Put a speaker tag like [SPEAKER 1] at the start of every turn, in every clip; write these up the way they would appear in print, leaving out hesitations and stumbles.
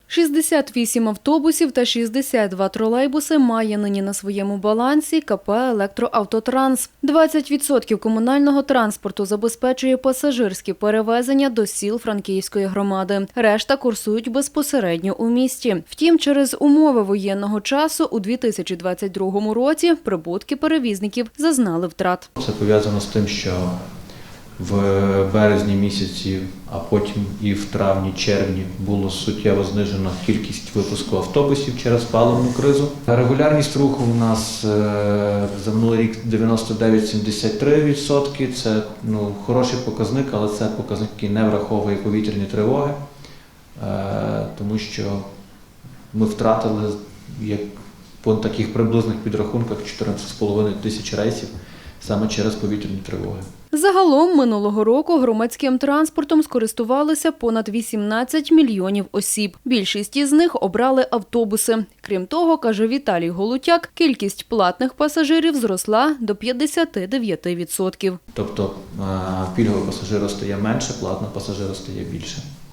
[SPEAKER 1] 68 автобусів та 62 тролейбуси має нині на своєму балансі КП «Електроавтотранс». 20% комунального транспорту забезпечує пасажирські перевезення до сіл Франківської громади. Решта курсують безпосередньо у місті. Втім, через умови воєнного часу у 2022 році прибутки перевізників зазнали втрат.
[SPEAKER 2] Це пов'язано з тим, що в березні місяці, а потім і в травні-червні було суттєво знижено кількість випуску автобусів через паливну кризу. Регулярність руху у нас за минулий рік 99,73%. Це хороший показник, але це показник, який не враховує повітряні тривоги, тому що ми втратили по таких приблизних підрахунках 14,5 тисяч рейсів саме через повітряні тривоги.
[SPEAKER 1] Загалом минулого року громадським транспортом скористувалися понад 18 мільйонів осіб. Більшість із них обрали автобуси. Крім того, каже Віталій Голутяк, кількість платних пасажирів зросла до 59%.
[SPEAKER 2] Тобто пільгового пасажира стає менше, платного пасажира стає більше.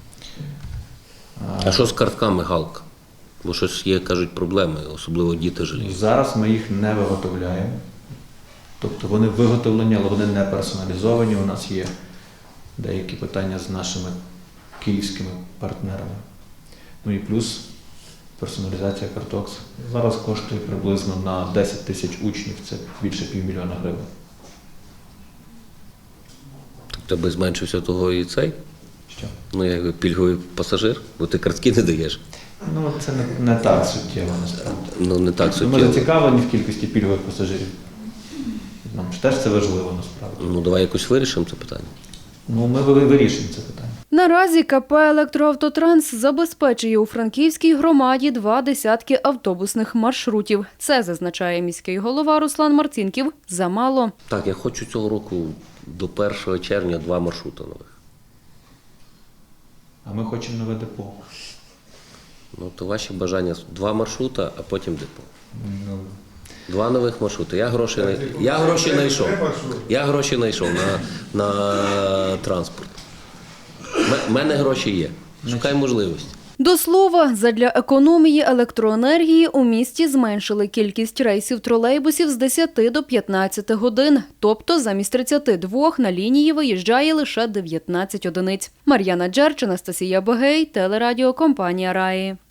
[SPEAKER 3] А що з картками Галка? Бо щось є, кажуть, проблеми, особливо діти жаліють.
[SPEAKER 2] Зараз ми їх не виготовляємо. Тобто вони виготовлені, але вони не персоналізовані. У нас є деякі питання з нашими київськими партнерами. І плюс персоналізація карток зараз коштує приблизно на 10 тисяч учнів, це більше $500 000 гривень.
[SPEAKER 3] Тобто би зменшився того і цей?
[SPEAKER 2] Що?
[SPEAKER 3] Як пільговий пасажир, бо ти картки не даєш.
[SPEAKER 2] Це не так суттєво, насправді.
[SPEAKER 3] Не так суттєво.
[SPEAKER 2] Ми зацікавлені в кількості пільгових пасажирів. Нам ж теж це важливо, насправді.
[SPEAKER 3] Давай якось вирішимо це питання.
[SPEAKER 2] Ми вирішимо це питання.
[SPEAKER 1] Наразі КП «Електроавтотранс» забезпечує у Франківській громаді 20 автобусних маршрутів. Це, зазначає міський голова Руслан Марцінків, замало.
[SPEAKER 3] Так, я хочу цього року до 1 червня 2 маршрути нових.
[SPEAKER 2] А ми хочемо нове депо.
[SPEAKER 3] То ваші бажання 2 маршрута, а потім депо. 2 нових маршрути. Я гроші знайшов на транспорт. У мене гроші є. Шукай можливості.
[SPEAKER 1] До слова, задля економії електроенергії у місті зменшили кількість рейсів тролейбусів з 10 до 15 годин. Тобто замість 32 на лінії виїжджає лише 19 одиниць. Мар'яна Джерч, Анастасія Бегей, телерадіокомпанія «Раї».